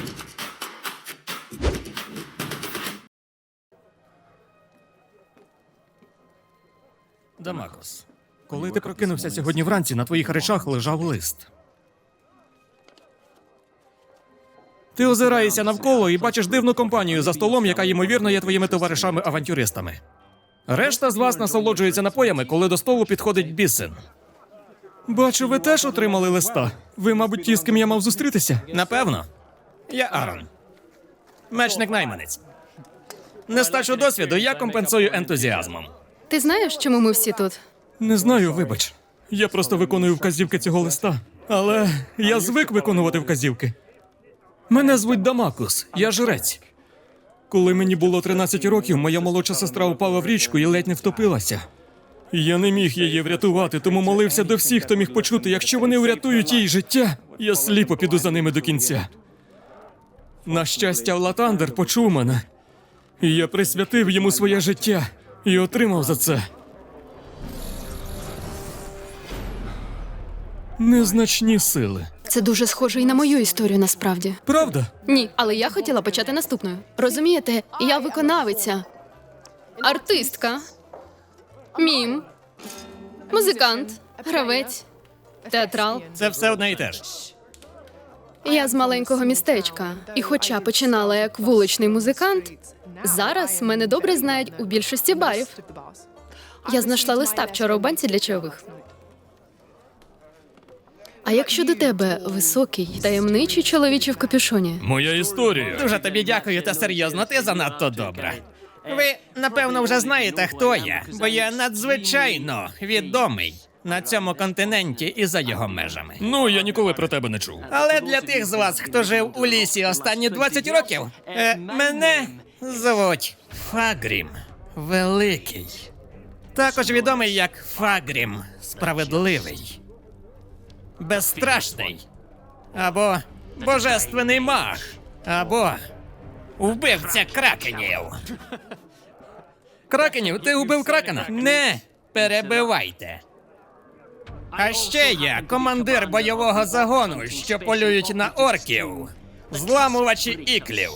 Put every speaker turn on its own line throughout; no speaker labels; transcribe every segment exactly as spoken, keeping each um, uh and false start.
Дамакус, коли ти прокинувся сьогодні вранці, на твоїх речах лежав лист. Ти озираєшся навколо і бачиш дивну компанію за столом, яка, ймовірно, є твоїми товаришами-авантюристами. Решта з вас насолоджується напоями, коли до столу підходить Бісен. Бачу, ви теж отримали листа. Ви, мабуть, ті, з ким я мав зустрітися? Напевно. Я Арон. Мечник-найманець. Нестачу досвіду я компенсую ентузіазмом.
Ти знаєш, чому ми всі тут?
Не знаю, вибач. Я просто виконую вказівки цього листа. Але я звик виконувати вказівки. Мене звуть Дамакус, я жрець. Коли мені було тринадцять років, моя молодша сестра упала в річку і ледь не втопилася. Я не міг її врятувати, тому молився до всіх, хто міг почути, якщо вони врятують їй життя, я сліпо піду за ними до кінця. На щастя, Латандер почув мене. І я присвятив йому своє життя і отримав за це незначні сили.
Це дуже схоже і на мою історію, насправді.
Правда?
Ні, але я хотіла почати наступною. Розумієте, я виконавиця, артистка, мім, музикант, гравець, театрал.
Це все одне і те ж.
Я з маленького містечка, і хоча починала як вуличний музикант, зараз мене добре знають у більшості барів. Я знайшла листа вчора у банці для чайових. А як щодо тебе, високий, таємничий чоловіче в капюшоні?
Моя історія. Дуже тобі дякую, та серйозно, ти занадто добра. Ви, напевно, вже знаєте, хто я, бо я надзвичайно відомий на цьому континенті і за його межами. Ну, я ніколи про тебе не чув. Але для тих з вас, хто жив у лісі останні двадцять років, е, мене звуть Фагрім Великий. Також відомий як Фагрім Справедливий. Безстрашний. Або божественний маг. Або вбивця кракенів. Кракенів? Ти вбив кракена? Не перебивайте. А ще я командир бойового загону, що полюють на орків, зламувачі іклів.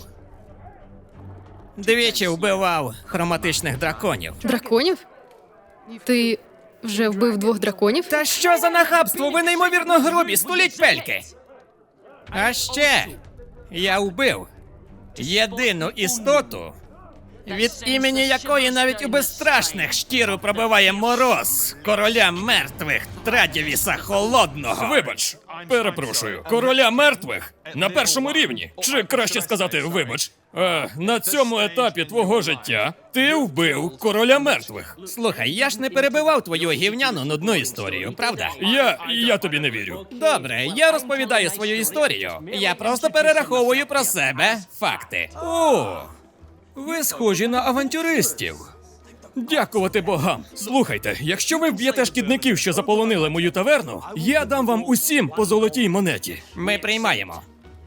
Двічі вбивав хроматичних драконів.
Драконів? Ти вже вбив двох драконів?
Та що за нахабство? Ви неймовірно грубі, стуліть пельки! А ще я вбив єдину істоту, від імені якої навіть у безстрашних шкіру пробиває мороз короля мертвих Традівіса Холодного. Вибач, перепрошую, короля мертвих на першому рівні. Чи краще сказати, вибач, е, на цьому етапі твого життя ти вбив короля мертвих. Слухай, я ж не перебивав твою гівняну нудну історію, правда? Я, я тобі не вірю. Добре, я розповідаю свою історію. Я просто перераховую про себе факти. О! Ви схожі на авантюристів. Дякувати богам. Слухайте, якщо ви вб'єте шкідників, що заполонили мою таверну, я дам вам усім по золотій монеті. Ми приймаємо.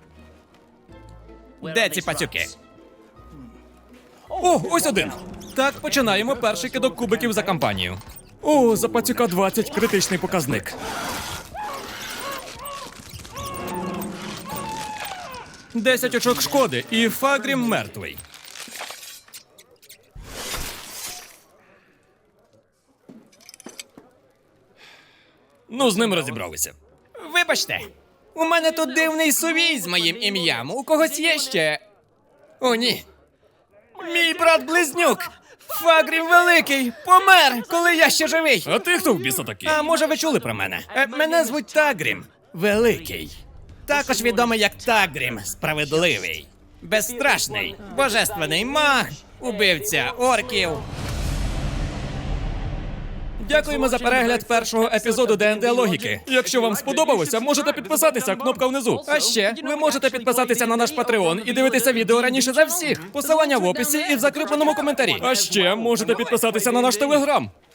Де ці пацюки? О, ось один. Так, починаємо перший кидок кубиків за кампанію. О, за пацюка двадцять, критичний показник. Десять очок шкоди, і Фагрім мертвий. Ну, з ним розібралися. Вибачте, у мене тут дивний сувій з моїм ім'ям. У когось є ще? О, ні. Мій брат-близнюк, Фагрім Великий, помер, коли я ще живий. А ти хто в біса такий? А може ви чули про мене? Е, мене звуть Тагрім Великий. Також відомий як Тагрім Справедливий. Безстрашний, божественний маг, убивця орків. Дякуємо за перегляд першого епізоду Д енд Д Логіки. Якщо вам сподобалося, можете підписатися, кнопка внизу. А ще ви можете підписатися на наш Патреон і дивитися відео раніше за всіх. Посилання в описі і в закріпленому коментарі. А ще можете підписатися на наш Телеграм.